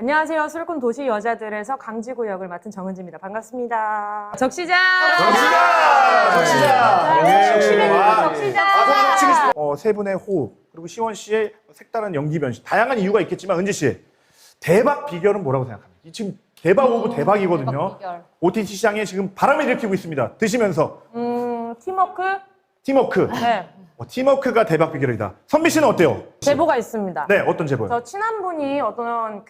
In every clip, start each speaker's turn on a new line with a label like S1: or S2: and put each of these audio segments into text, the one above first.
S1: 안녕하세요. 술꾼 도시 여자들에서 강지구 역을 맡은 정은지입니다. 반갑습니다. 적시자!
S2: 적시자! 세 분의 호흡, 그리고 시원 씨의 색다른 연기 변신. 다양한 이유가 있겠지만, 은지 씨, 대박 비결은 뭐라고 생각합니까? 지금 대박 오브 대박이거든요. OTT 시장에 지금 바람을 일으키고 있습니다. 드시면서.
S1: 팀워크?
S2: 팀워크.
S1: 네.
S2: 팀워크가 대박 비결이다. 선미 씨는 어때요?
S1: 제보가 있습니다.
S2: 네, 어떤 제보요?
S1: 저 친한 분이 어떤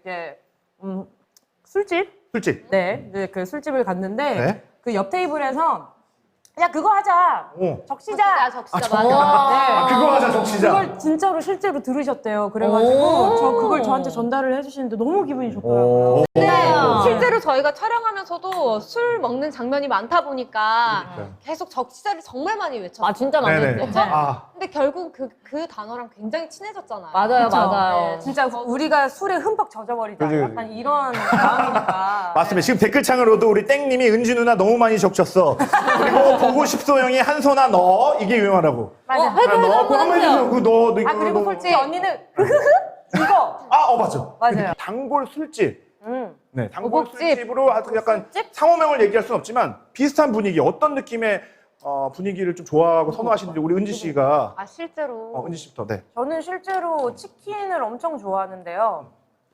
S1: 술집?
S2: 술집.
S1: 네, 그 술집을 갔는데
S2: 네.
S1: 그 옆 테이블에서 야 그거 하자. 적시자.
S3: 적시자
S1: 네.
S2: 그거 하자, 적시자.
S1: 그걸 진짜로 실제로 들으셨대요. 그래가지고 저 그걸 저한테 전달을 해주시는데 너무 기분이 좋더라고요.
S3: 근데 실제로 저희가 촬영하면서도 술 먹는 장면이 많다 보니까 계속 적시자를 정말 많이 외쳤어요.
S4: 진짜 많이
S2: 네네.
S4: 했죠.
S3: 근데 결국 그 단어랑 굉장히 친해졌잖아요.
S4: 맞아요,
S1: 그쵸?
S4: 맞아요.
S1: 네, 진짜 우리가 술에 흠뻑 젖어버리자.
S2: 그치.
S1: 약간 이런 마음이니까.
S2: 맞습니다. 지금 댓글창으로도 우리 땡님이 은지 누나 너무 많이 적셨어. 그리고 보고 싶소 형이 한손아 너 이게 유명하다고.
S1: 맞아.
S2: 너 그거 한번 해주세요. 그거 너.
S1: 아 그리고 솔직히 언니는 이거.
S2: 맞아.
S1: 맞아요.
S2: 단골 술집. 네, 단골
S3: 오복집.
S2: 술집으로 아주 약간 상호명을 얘기할 수는 없지만 비슷한 분위기, 어떤 느낌의 분위기를 좀 좋아하고 선호하시는지 우리 은지 씨가
S3: 실제로.
S2: 은지 씨부터. 네.
S1: 저는 실제로 치킨을 엄청 좋아하는데요.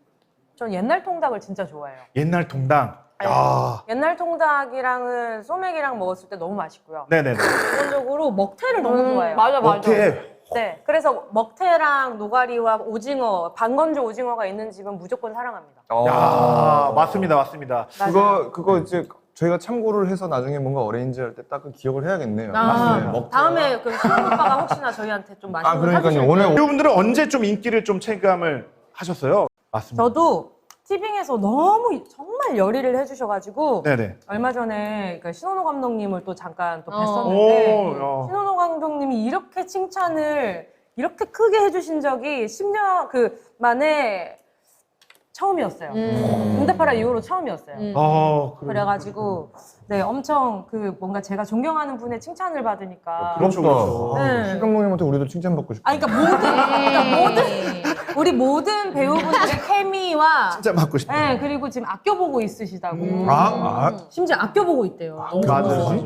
S1: 전 옛날 통닭을 진짜 좋아해요.
S2: 옛날 동당. 야.
S1: 옛날 통닭이랑은 소맥이랑 먹었을 때 너무 맛있고요.
S2: 네네네.
S1: 기본적으로 먹태를 너무 좋아해요.
S4: 맞아.
S2: 어때?
S1: 네, 그래서 먹태랑 노가리와 오징어, 반건조 오징어가 있는 집은 무조건 사랑합니다.
S2: 야, 맞습니다.
S5: 그거 이제 저희가 참고를 해서 나중에 뭔가 어레인지 할 때 딱 그 기억을 해야겠네요.
S1: 다음에 그 수영 오빠가 혹시나 저희한테 좀 맛있는 거
S5: 그러니까요.
S1: 사주실
S5: 오늘
S1: 때
S2: 여러분들은 언제 좀 인기를 좀 체감을 하셨어요? 맞습니다.
S1: 저도 티빙에서 너무 정말 열의를 해주셔가지고
S2: 네네.
S1: 얼마 전에 그 신원호 감독님을 또 잠깐 또
S2: 오,
S1: 뵀었는데
S2: 야.
S1: 신원호 감독님이 이렇게 칭찬을 이렇게 크게 해주신 적이 10년 만에 처음이었어요. 응답하라 이후로 처음이었어요. 그래가지고 네 엄청 뭔가 제가 존경하는 분의 칭찬을 받으니까
S2: 그렇죠.
S1: 네.
S5: 신 감독님한테 우리도 칭찬받고 싶어.
S1: 그러니까 모든 우리 모든 배우분들의 케미와
S2: 진짜 받고 싶다.
S1: 네 그리고 지금 아껴보고 있으시다고
S5: 아,
S1: 심지어 아껴보고 있대요.
S2: 맞아요.